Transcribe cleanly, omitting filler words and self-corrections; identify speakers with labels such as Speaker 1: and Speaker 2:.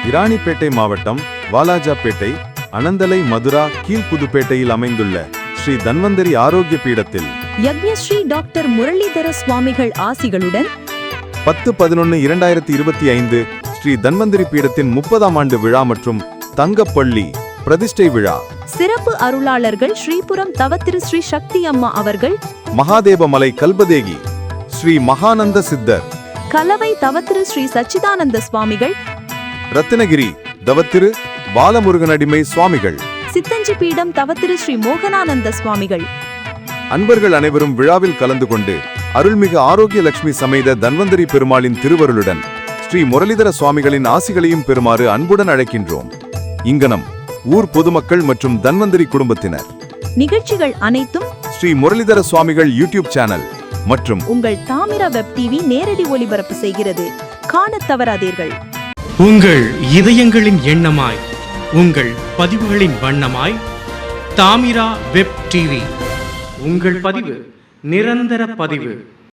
Speaker 1: இராணிப்பேட்டை மாவட்டம் வாலாஜாப்பேட்டை அனந்தலை மதுரா கீழ்புதுப்பேட்டையில் அமைந்துள்ள ஸ்ரீ தன்வந்தரி ஆரோக்கிய பீடத்தில்
Speaker 2: யக்ஞஸ்ரீ டாக்டர் முரளிதர சுவாமிகள் ஆசிகளுடன்
Speaker 1: 10-11-2025 ஸ்ரீ தன்வந்தரி பீடத்தின் 30ஆம் ஆண்டு விழா மற்றும் தங்கப்பள்ளி பிரதிஷ்டை விழா.
Speaker 2: சிறப்பு அருளாளர்கள் ஸ்ரீபுரம் தவத்திரு ஸ்ரீ சக்தி அம்மா அவர்கள்,
Speaker 1: மகாதேவமலை கல்பதேகி ஸ்ரீ மகானந்த சித்தர்,
Speaker 2: கலவை தவத்திரு ஸ்ரீ சச்சிதானந்த சுவாமிகள்,
Speaker 1: ரத்தினகிரி தவத்திரு பாலமுருகனடிமை சுவாமிகள்,
Speaker 2: சித்தஞ்சி பீடம் தவத்திரு ஸ்ரீ மோகனானந்த சுவாமிகள்.
Speaker 1: அன்பர்கள் அனைவரும் விழாவில் கலந்து கொண்டு அருள்மிகு ஆரோக்கிய லட்சுமி சமேத தன்வந்தரி பெருமாளின் திருவருளுடன் ஸ்ரீ முரளிதர சுவாமிகளின் ஆசிகளையும் பெறுமாறு அன்புடன் அழைக்கின்றோம். இங்கனம் ஊர் பொதுமக்கள் மற்றும் தன்வந்தரி குடும்பத்தினர்.
Speaker 2: நிகழ்ச்சிகள் அனைத்தும்
Speaker 1: ஸ்ரீ முரளிதர சுவாமிகள் யூடியூப் சேனல் மற்றும்
Speaker 2: உங்கள் தாமிரா வெப் டிவி நேரடி ஒளிபரப்பு செய்கிறது. காணத் தவறாதீர்கள்.
Speaker 3: உங்கள் இதயங்களின் எண்ணமாய், உங்கள் பதிவுகளின் வண்ணமாய் தாமிரா வெப் டிவி. உங்கள் பதிவு நிரந்தர பதிவு.